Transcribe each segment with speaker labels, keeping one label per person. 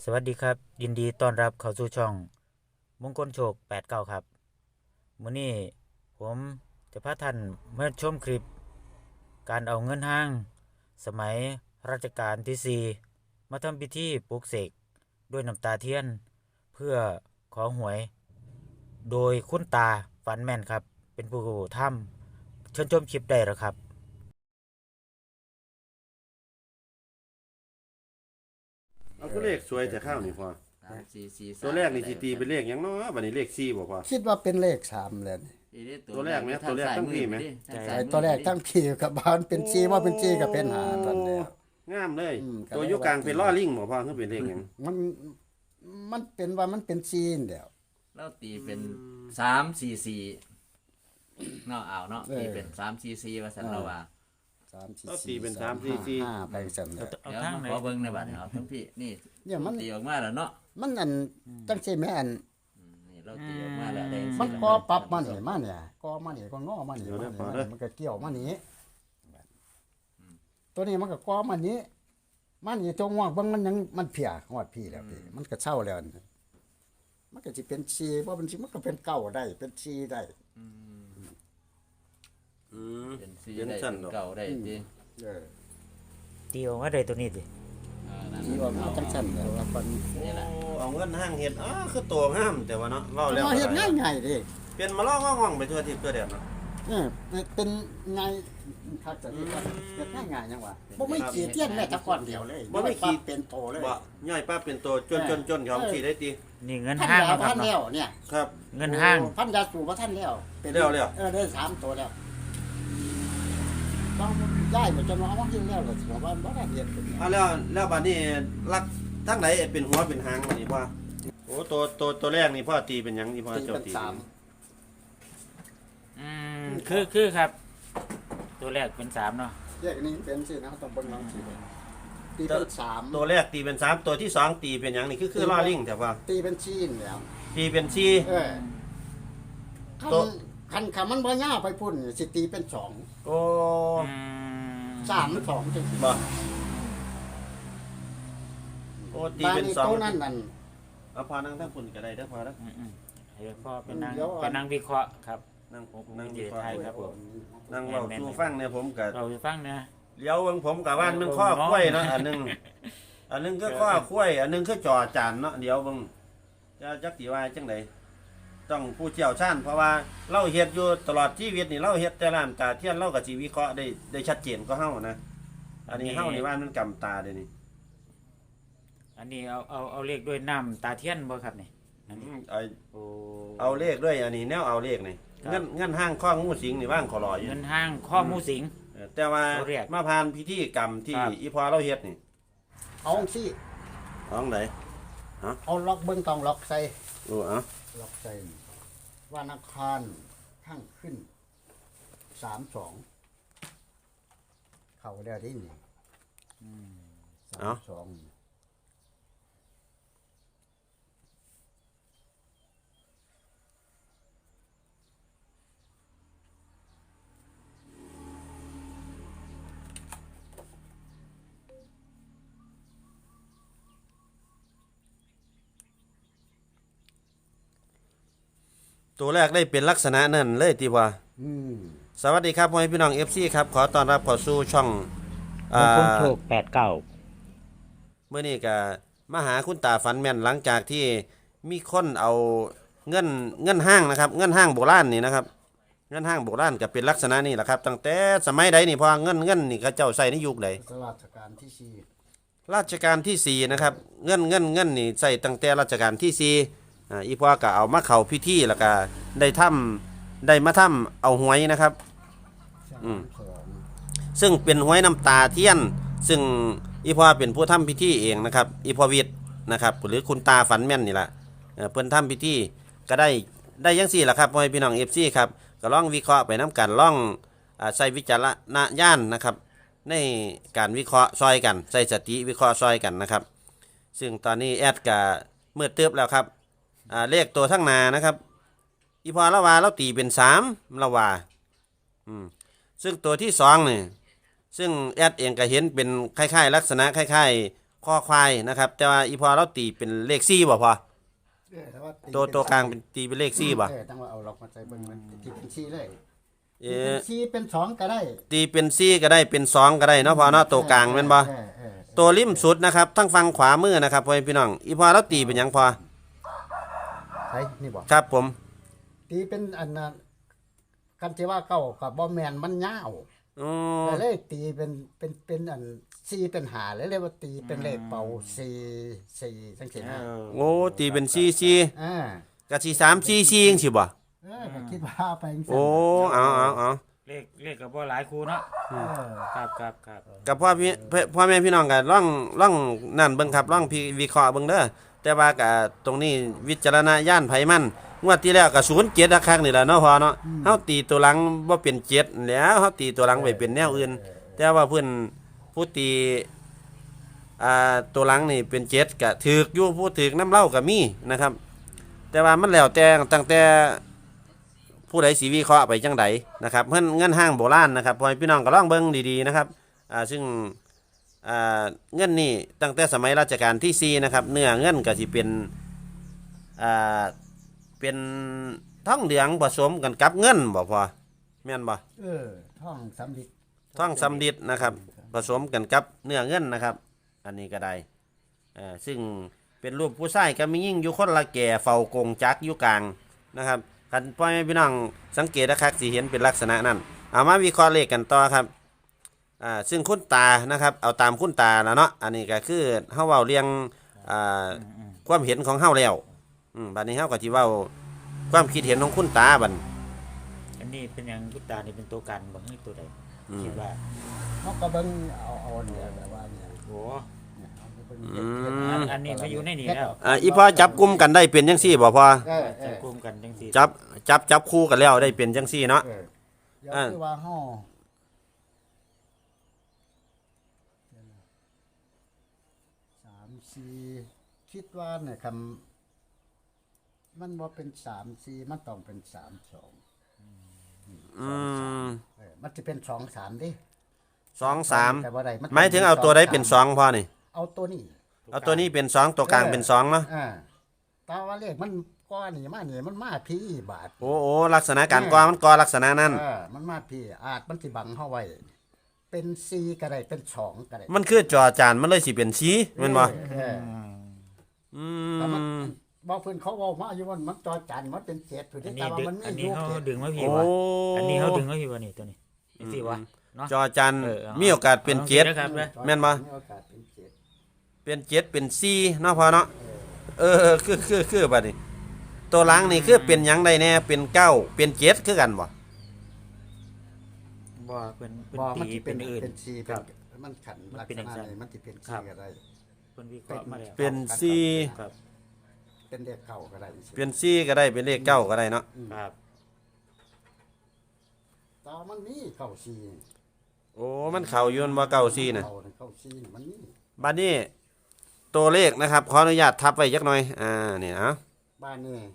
Speaker 1: สวัสดีครับยินดีต้อนรับเข้าสู่ช่องมงคลโชค89ครับมื้อนี้ผมจะพาท่านมาชมคลิปการเอาเงินห้างสมัยรัชกาลที่4มาทำพิธีปลุกเสกด้วยน้ำตาเทียนเพื่อขอหวยโดยคุณตาฝันแม่นครับเป็นผู้ทำเชิญชมคลิปได้แล้วครับ
Speaker 2: เอาคือเลขสวยแต่ข้าวนี่พอ
Speaker 3: 3 4 4
Speaker 2: ตัวแรกนี่สิตีเป็นเลขหยังเนาะบัดนี้เลข4บ่พอ
Speaker 4: คิดว่าเป็นเลขสามเลยนี่
Speaker 2: ตัวแรกไหมตัวแรกตั้งพี่ไหม
Speaker 4: ไอ้ตัวแรกทั้งพี่กับบ้านเป็นจีว่าเป็นจีกับเป็นหาตอนแล้ว
Speaker 2: งามเลย
Speaker 4: ก็
Speaker 2: ตัวอยู่กลางเป็นล้อลิงบ่พอคือเป็นเลขหยัง
Speaker 4: มันเป็นว่ามันเป็นจีนเดียว
Speaker 3: เราตีเป็น3 4 4เนาะเอาเนาะตีเป็น3 4 4ว่าซั่นเราว่า
Speaker 2: เราตีเป็น3 4 4
Speaker 4: 5ไปสั่นเลย
Speaker 1: เอา
Speaker 3: เดี๋ยว
Speaker 1: ทาง
Speaker 3: มา
Speaker 1: ไหน
Speaker 3: ขอเบิ่งในบัดนี้เอาทั้งพี่นี่
Speaker 4: เนี่ยมัน
Speaker 3: ตีออกมาแล้วเนาะ
Speaker 4: มันอันตั้งใจแม่อัน
Speaker 3: นี่เราตีออกมาแล้วได้
Speaker 4: มันกอปรับมานี่มาเนี่ยกอมานี่ก็งอมานี่มันก็เกี่ยวมานี่ตัวนี้มันก็กอมานี้มันนี่ตัวง่วงเบิ่งมันยังมันเพียฮอดพี่แล้วพี่มันก็เศร้าแล้วมันก็สิเป็นชีบ่เป็นชีมันก็เป็นเก่าได้เป็นชีได้
Speaker 3: เป็น
Speaker 2: เห็น
Speaker 3: 4ได้
Speaker 2: สั่นดอก
Speaker 3: เก่าได้ติ
Speaker 1: ตีออกมาได้ตัวนี้ดิ
Speaker 3: นั่น
Speaker 4: ที่ว่ามันจังซั่นแล้วว่าคน
Speaker 3: นี่แหละ
Speaker 2: เอาเงินห้างเฮ็ดคือตัวงามแต่ว่าเนาะเว้าแล้ว
Speaker 4: เฮ็ดง่ายๆดิ
Speaker 2: เป็นมาล้อง่องๆไปทั่วทิศทั่วแดนเนาะ
Speaker 4: เป็นไงคักจะเฮ็ดง่ายๆจังว่าบ่มีขี้เทียนแม้แต่ก้อนเดียวเลยเป็นโตเลย
Speaker 2: บ่ย่อยป้าเป็นตัวจนเขาสิได้ติ
Speaker 1: นี่เงิน
Speaker 4: ท่าน
Speaker 1: ห้าง
Speaker 4: แล้ว
Speaker 1: ครับ
Speaker 4: ท่านแล้วเนี่ย
Speaker 2: ครับ
Speaker 1: เงินห้าง
Speaker 4: ท่านยาสูบว่าท่านแล้วเป็น
Speaker 2: แล้ว
Speaker 4: ได้3ตัวแล้วต้องย้ายมาจนว่าเอามากินแล้วก็สิว่าบ่ได้เฮ็ด
Speaker 2: เอาแล้วบัดนี้ลักทั้งไหนเป็นหัวเป็นหางบัดนี้พ่อโอ้ตัวแรกนี่พ่อตีเป็นหยังนี่พ่อ
Speaker 4: ตี
Speaker 2: เจ้า
Speaker 4: เป็น
Speaker 2: ตี
Speaker 1: คือครับ ตัวแรกเป็น3เนาะ
Speaker 4: แยกนี้เป็นสินะต้องเบิ่งลองสิตีเป็น3
Speaker 2: ตัวแรกตีเป็น3ตัวที่2ตีเป็นหยังนี่คือล้อลิงแต่ว่า
Speaker 4: ตีเป็นชีนแล้ว
Speaker 2: ตีเป็น4
Speaker 4: คันมันบ่ย่าไปพุ่นสิตีเป็น2
Speaker 2: โอ้
Speaker 4: 3 2จังซี่
Speaker 2: บ่โอ้ตีเป็นสอง
Speaker 4: ตัวนั้นนั่น
Speaker 2: เอาพอนั่งทั้งปุ่นก็ได้เด้อพอแล้ว
Speaker 1: เดี๋ยวพ่อเป็นนาง
Speaker 4: เดี๋ยว
Speaker 1: เป็นนางวิเคราะห์ครับ
Speaker 2: นั่ง
Speaker 1: ผม
Speaker 2: นั่ง
Speaker 1: เจไทยครับผม
Speaker 2: นั่งเว้าสู่ฟังเนี่ยผมก็
Speaker 1: เราจะฟังนะ
Speaker 2: เลี้ยวเบิ่งผมก็ว่ามันข้อคุ้ยเนาะอันหนึงก็ข้อคุ้ยอันหนึงคือจ่อจานเนาะเดี๋ยวเบิ่งจะจักสิว่าจังไดต้องผู้เชี่ยวชาญเพราะว่าเราเฮ็ดอยู่ตลอดชีวิตนี่เราเฮ็ดแต่ร้านตาเทียนเราก็สิวิเคราะห์ได้ชัดเจนกว่าเฮานะอันนี้เฮานี่ว่ามันกำตาเด้นี่
Speaker 1: อันนี้เอาเลขด้วยน้ำตาเทียนบ่ครับนี่อันนี้ โอ้
Speaker 2: เอาเลขด้วยอันนี้แนวเอาเลขนี่
Speaker 1: ครับ
Speaker 2: เงินห้างข้องูสิงนี่ว่างขอรออยู่
Speaker 1: เงินห้างข้อมูสิง
Speaker 2: แต่ว่า
Speaker 1: เอาเรียก
Speaker 2: มาผ่านพิธีกรรมที่
Speaker 1: ครับ
Speaker 2: อีพอเราเฮ็ดนี่
Speaker 4: เอาสิ
Speaker 2: ห้องไหน
Speaker 4: เอาล็อกเบิ่งต้องล็อกใส่
Speaker 2: โอ้เอา
Speaker 4: ล็อกใส่วันอังคารข้างขึ้น32เข้าได้ดินี่32
Speaker 2: ตัวแรกได้เป็นลักษณะนั่นเลยที่ว่า สวัสดีครับพ่อแม่พี่น้อง FC ครับขอต้อนรับเข้าสู่ช่อง
Speaker 1: มงคลโชค89
Speaker 2: เมื่อนี้ก็มาหาคุณตาฝันแม่นหลังจากที่มีคนเอาเงินห้างนะครับเงินห้างโบราณนี่นะครับเงินห้างโบราณก็เป็นลักษณะนี้แหละครับตั้งแต่สมัยใดนี่พอเงินนี่เขาเจ้าใส่ในยุคใด
Speaker 4: ราชการที่สี่
Speaker 2: ราชการที่4นะครับเงินนี่ใส่ตั้งแต่รัชกาลที่4อีพ่อก็เอามาเข้าพิธีแล้วก็ได้มาทำเอาหวยนะครับ ซึ่งเป็นหวยน้ำตาเทียนซึ่งอีพ่อเป็นผู้ทำพิธีเองนะครับอีพ่อวิทย์นะครับหรือคุณตาฝันแม่นนี่แหละเพิ่นทำพิธีก็ได้ยังสี่แหละครับพ่อพี่น้อง FC ครับก็ลองวิเคราะห์ไปน้ำกันลองใส่วิจารณญาณนะครับในการวิเคราะห์ซอยกันใส่สติวิเคราะห์ซอยกันนะครับซึ่งตอนนี้แอดก็มืดตึ๊บแล้วครับเลขตัวทั้งหนานะครับอีพอละว่าเราตีเป็น3ละว่าซึ่งตัวที่2นี่ซึ่งแอดเองก็เห็นเป็นคล้ายๆลักษณะคล้ายๆคอควายนะครับ แต่ว่าอีพอเราตีเป็นเลข4บ่พอ
Speaker 4: แต่ว่าตี
Speaker 2: ตัวกลางเป็นตีเป็นเลข4บ่
Speaker 4: จังว่าเอาล็อกมาใส่เบิ่งมันตีเป็น4เลย
Speaker 2: เอ
Speaker 4: ตีเป็
Speaker 2: อน
Speaker 4: 4เป็น2ก็ได้
Speaker 2: ตีเป็น4ก็ได้เป็น2ก็ได้เนาะพอเนาะตัวกลางแม่นบ่ตัวริมสุดนะครับทั้งฝั่งขวามือนะครับพ่อพี่น้องอีพอเราตีเป็นหยังพอ
Speaker 4: ใช่นี่บ่
Speaker 2: ครับผม
Speaker 4: ตีเป็นอันน่ะกันที่ว่าเก้ากับบ่แม่นมันยาว
Speaker 2: อ๋อ
Speaker 4: ก็เลยตีเป็นอัน4เป็นหาเลยเรียกว่าตีเป็นเลขเป่า4จังซี่นะ
Speaker 2: โอ้ตีเป็น4
Speaker 4: อ่า
Speaker 2: 4ก็สิ3 4 4จังซี่บ่
Speaker 4: ก็คิดว่าไปจังซั่น
Speaker 2: โอ้เอา
Speaker 1: เลขก็บ่หลายคู่เนาะ
Speaker 4: เออ
Speaker 1: ครับ
Speaker 2: กับพ่อแม่พี่น้องก็ล่องนั่นเบิ่งครับล่องพี่วิเคราะห์เบิ่งเด้อแต่ว่าก็ตรงนี้วิจารณญาณไผมันงวดที่แล้วก็07คักๆนี่แหละเนาะพอเนาะเฮาตีตัวหลังบ่เป็น7แล้วเฮาตีตัวหลังไว้เป็นแนวอื่น แต่ว่าเพิ่นผู้ตีตัวหลังนี่เป็น7ก็ถูกอยู่ผู้ถูกน้ำเล่าก็มีนะครับ แต่ว่ามันแล้วแต่ตั้งแต่ผู้ใดสิวิเคราะห์ไปจังใดนะครับเพิ่นเงินห้างโบราณนะครับพ่อพี่น้องก็ลองเบิ่งดีๆนะครับซึ่งเงินนี่ตั้งแต่สมัยรัชกาลที่4นะครับเนื้อเงินก็สิเป็นทองเหลืองผสมกันกับเงินบ่พอแม่นบ่
Speaker 4: ท่องสำลิด
Speaker 2: ทองสำริดนะครับผสมกันกับเนื้อเงินนะครับ อันนี้ก็ได้ซึ่งเป็นรูปผู้ชายกับมียิ่งอยู่คนละแก่เฝ้ากงจักรอยู่กลางนะครับคันพ่อแม่พี่น้องสังเกตนะครับสิเห็นเป็นลักษณะนั้นเอามาวิเคราะห์เลขกันต่อครับซึ่งคุณตานะครับเอาตามคุณตาแล้วเนาะอันนี้ก็คือเฮาเว้าเรียงความเห็นของเฮาแล้วบัดนี้เฮาก็สิเว้าความคิดเห็นของคุณตาบัด
Speaker 1: อันนี้เป็นหยังกุตานี่เป็นตัวกันบ่คือตัวใดคิดว่า
Speaker 4: เขาก็เบิ่งเอาเนี่ยแบบว่าเนี่ย
Speaker 1: โอ้
Speaker 4: เนี่ยเอาไปเบิ่ง
Speaker 1: อันนี้มาอยู่ในนี่แล้ว
Speaker 2: อีพ่อจับกลุ่มกันได้เป็นจังซี่บ่พ่อ
Speaker 1: จะกลุ่มกันจังซี่
Speaker 2: จับคู่กันแล้วได้เป็นจังซี่เนาะ
Speaker 4: เดี๋ยวคือว่าห่อ3-4คิดว่าเนี่ยคำมันบ่เป็น3-4มันต้องเป็น3-2 มันจะเป็น2-3ดิ
Speaker 2: 2-3
Speaker 4: แต่ว่าใดน
Speaker 2: หมายถึงเอาตัวใดเป็น2พ่อนี่
Speaker 4: เอาตัวนี้
Speaker 2: เอาตัวนี้เป็น2ตัวกลางเป็น2เนาะ
Speaker 4: แตาว่าเลขมันก้อนนี่มานี่มันมาพี่บาท
Speaker 2: โอ้ลักษณะการก่อมันก่อลักษณะนั้น
Speaker 4: มันมาพี่อาจมันสิบังเฮาไว้เป็น4ก็ได้เป็น2ก็ได้
Speaker 2: มันคือจอจานมันเลยสิเป็นสีแม่นบ่
Speaker 4: แต่มันบอกเพิ่นเขาเว้ามาอยู่ว่ามันจอจันมันเป็น7ผู้
Speaker 1: อั
Speaker 4: ที่
Speaker 1: น
Speaker 4: แต่
Speaker 1: นี้
Speaker 4: ว่ามัน
Speaker 1: อัน
Speaker 4: มี
Speaker 1: นี้
Speaker 4: อยู่
Speaker 1: เขา
Speaker 4: เจ็ด
Speaker 1: ดึงมาพี่
Speaker 2: โอ้
Speaker 1: วะอันนี้เขาดึงมาพี่วะนี่ตัวนี้จังซี่วะเนาะ
Speaker 2: จอจาน
Speaker 1: เอา
Speaker 2: มีโอกาสเป็น
Speaker 1: เอา
Speaker 2: 7
Speaker 1: นะครับ
Speaker 2: แม่นบ่
Speaker 4: มีโอกาสเป็น7
Speaker 2: เป็น7เป็น4เนาะพ่อเนาะคือบัดนี้ตัวหลังนี่คือเป็นหยังได้แน่เป็น9เป็น7คือกันบ่
Speaker 1: บ่เป็น
Speaker 4: บ่มัน
Speaker 1: ตี
Speaker 4: สิ
Speaker 1: เป็นอื่น
Speaker 4: เป็น4
Speaker 1: ค
Speaker 4: เป็
Speaker 1: รับ
Speaker 4: นมันขัน
Speaker 1: มัน
Speaker 4: ลัก
Speaker 1: เป็น
Speaker 4: ษ
Speaker 1: อย่าง
Speaker 4: ณะ
Speaker 1: นั้น
Speaker 4: นี้มันสิเป็น
Speaker 1: ครับ
Speaker 4: 4ก็ได้
Speaker 1: เพิ่นวิเคราะห์มาแล้ว
Speaker 2: เป็น
Speaker 1: ครับ
Speaker 4: เป็นเลขเก่าก็ได้
Speaker 2: เป็น4ก็ได้เป็นเลข9ก็ได้เนาะ
Speaker 1: ครับ
Speaker 4: แต่ว่ามันมีเก่า4
Speaker 2: โอ้มันเข้าอยู่บ่เก้า4น่ะ
Speaker 4: เก่า4มันมี
Speaker 2: บัดนี้ตัวเลขนะครับขออนุญาตทับไว้จักหน่อยนี่นะ
Speaker 4: บ้านนี่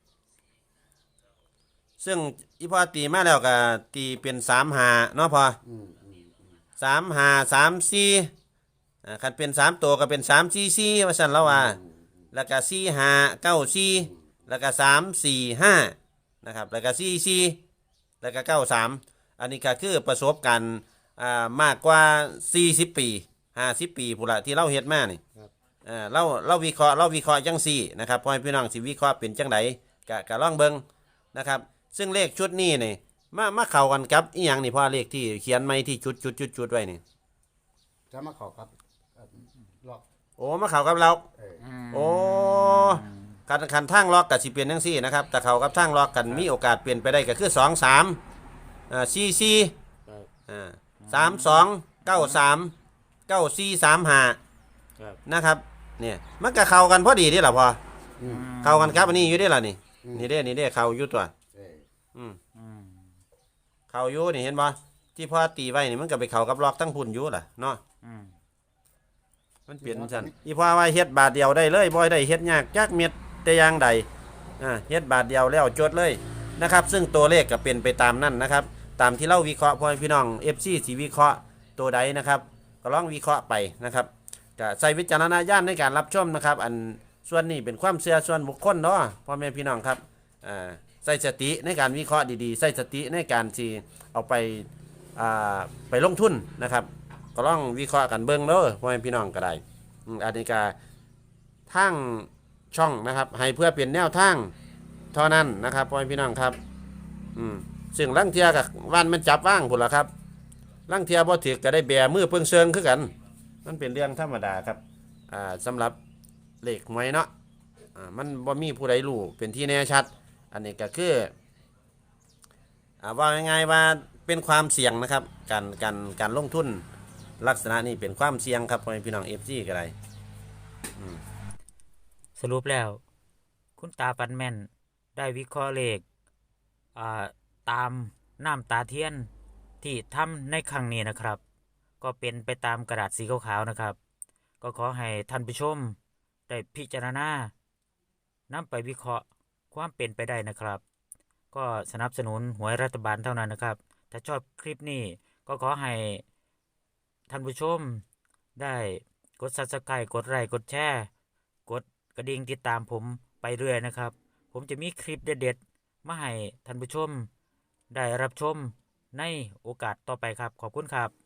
Speaker 2: ซึ่งอีพอตีมาแล้วก็ตีเป็น3-5เนาะพอ3-5 3-4คันเป็น3ตัวก็เป็น3-4-4ว่าซั่นแล้วว่าแล้วก็4-5-9-4แล้วก็3-4-5นะครับแล้วก็4-4แล้วก็9-3อันนี้ก็คือประสบการณ์มากกว่า40ปี50ปีพุ่นละที่เราเฮ็ดมานี่เราวิเคราะห์จังซี่นะครับพ่อให้พี่น้องสิวิเคราะห์เป็นจังไดก็ลองเบิ่งนะครับซึ่งเลขชุดนี้นี่มาเข้ากันกับอีหยังนี่พ่อเลขที่เขียนไว้ที่จุดไว้นี่
Speaker 4: จะมาขอครับล็อก
Speaker 2: โอ้มาเข้ากับเรา
Speaker 1: อืม
Speaker 2: โอ้คันทางล็อกก็สิเป็นจังซี่นะครับแต่เข้ากับทางล็อกกันมีโอกาสเปลี่ยนไปได้ก็คือ2-3 4-4 3-2 9-3 9-4-3-5
Speaker 1: ครับ
Speaker 2: นะครับเนี่ยมันก็เข้ากันพอดีนี่แหละพอเข้ากันครับอันนี้อยู่ได้ล่ะนี่นี่เด้เข้าอยู่ตัว
Speaker 1: อืม
Speaker 2: เข้าอยู่นี่เห็นบ่ที่พ่อตีไว้นี่มันก็ไปเข้ากับล็อกทั้งพุ่นอยู่ล่ะเนาะ
Speaker 1: อืม
Speaker 2: มันเปลี่ยนซั่นอีพ่อว่าเฮ็ดบาทเดียวได้เลยบ่ได้เฮ็ดยากจักเม็ดแต่อย่างใดเฮ็ดบาทเดียวแล้วจดเลยนะครับซึ่งตัวเลขก็เป็นไปตามนั้นนะครับตามที่เราวิเคราะห์พ่อพี่น้อง FC สิวิเคราะห์ตัวใดนะครับก็ลองวิเคราะห์ไปนะครับก็ใส่วิจารณญาณในการรับชมนะครับอันส่วนนี้เป็นความเชื่อส่วนบุคคลเนาะพ่อแม่พี่น้องครับใส่สติในการวิเคราะห์ดีๆใส่สติในการที่เอาไปลงทุนนะครับก็ลองวิเคราะห์กันเบิ่งเด้อพ่อแม่พี่น้องก็ได้อันนี้ก็ทางช่องนะครับให้เพื่อเปลี่ยนแนวทางเท่านั้นนะครับพ่อแม่พี่น้องครับซึ่งลังเทียกับวันมันจับว่างพุ่นละครับลังเทียบ่ถือก็ได้แบมือเพิ่งเชิงคือกันมันเป็นเรื่องธรรมดาครับสำหรับเลขหวยเนาะมันบ่มีผู้ใดรู้เป็นที่แน่ชัดอันนี้ก็คือว่าง่ายๆว่าเป็นความเสี่ยงนะครับการลงทุนลักษณะนี้เป็นความเสี่ยงครับพ่อแม่พี่น้อง FC ก็ได้
Speaker 1: สรุปแล้ว คุณตาฟันแม่นได้วิเคราะห์เลขตามน้ำตาเทียนที่ทำในครั้งนี้นะครับ ก็เป็นไปตามกระดาษสีขาวๆนะครับ ก็ขอให้ท่านผู้ชมได้พิจารณานำไปวิเคราะห์ความเป็นไปได้นะครับ ก็สนับสนุนหวยรัฐบาลเท่านั้นนะครับ ถ้าชอบคลิปนี้ก็ขอให้ท่านผู้ชมได้กด Subscribe กดไลค์กดแชร์กดกระดิ่งติดตามผมไปเรื่อยนะครับ ผมจะมีคลิปเด็ดๆมาให้ท่านผู้ชมได้รับชมในโอกาสต่อไปครับขอบคุณครับ